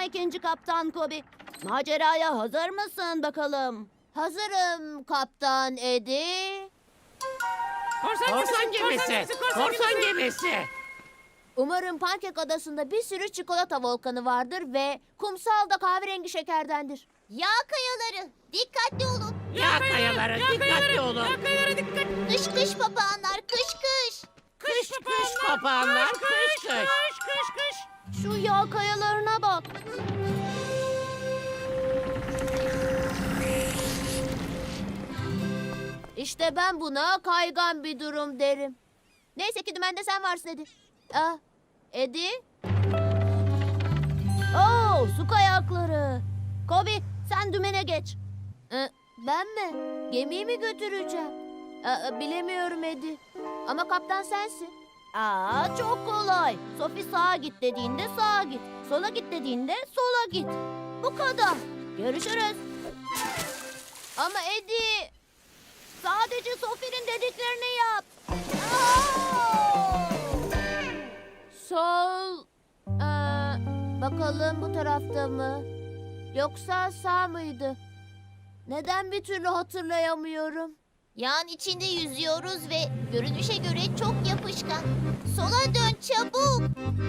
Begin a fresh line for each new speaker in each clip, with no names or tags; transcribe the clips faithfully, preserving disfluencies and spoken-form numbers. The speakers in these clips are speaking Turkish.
ikinci kaptan Kobi. Maceraya hazır mısın bakalım? Hazırım kaptan Eddie.
Korsan gemisi, korsan gemisi.
Umarım Pankek Adası'nda bir sürü çikolata volkanı vardır ve kumsal da kahverengi şekerdendir. Yağ kayaları, dikkatli olun.
Yağ kayaları, dikkatli olun.
Kış kış papağanlar, kış kış.
Kış kış papağanlar, kış kış.
Şu yağ kayalarına bak. İşte ben buna kaygan bir durum derim. Neyse ki dümende sen varsın Edi. Ah, Edi? Oo, su kayakları. Kobi, sen dümene geç. Ee, ben mi? Gemiyi mi götüreceğim? Aa, bilemiyorum Edi. Ama kaptan sensin. Aa, çok kolay. Sophie sağa git dediğinde sağa git. Sola git dediğinde sola git. Bu kadar. Görüşürüz. Ama Edi, sadece Sophie'nin dediklerini yap. Aa! Sol. Ee, bakalım bu tarafta mı? Yoksa sağ mıydı? Neden bir türlü hatırlayamıyorum?
Yağın içinde yüzüyoruz ve görünüşe göre çok yapışkan. Sola dön çabuk.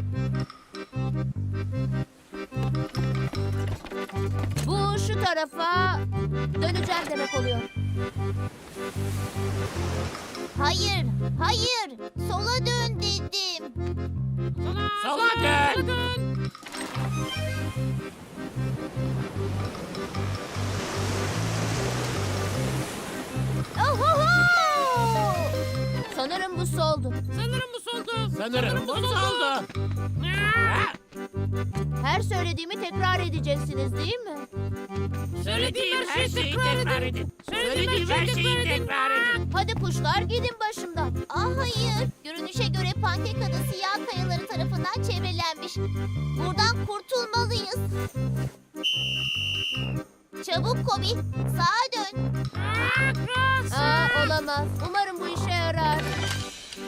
Bu şu tarafa döneceğim demek oluyor.
Hayır, hayır. Sola dön dedim.
Sola dön.
Ohoho! Sanırım bu soldu.
Sanırım bu soldu. Sanırım bu soldu.
Her söylediğimi tekrar edeceksiniz değil mi?
Söylediğim her şeyi tekrar edin. Söylediğim her şeyi tekrar edin.
Hadi kuşlar gidin başımdan.
Ah hayır. Görünüşe göre Pankek Adası yağ kayaları tarafından çevrelenmiş. Buradan kurtulmalıyız. Çabuk Kobi, sağa dön.
Aa, olamaz. Umarım bu işe yarar.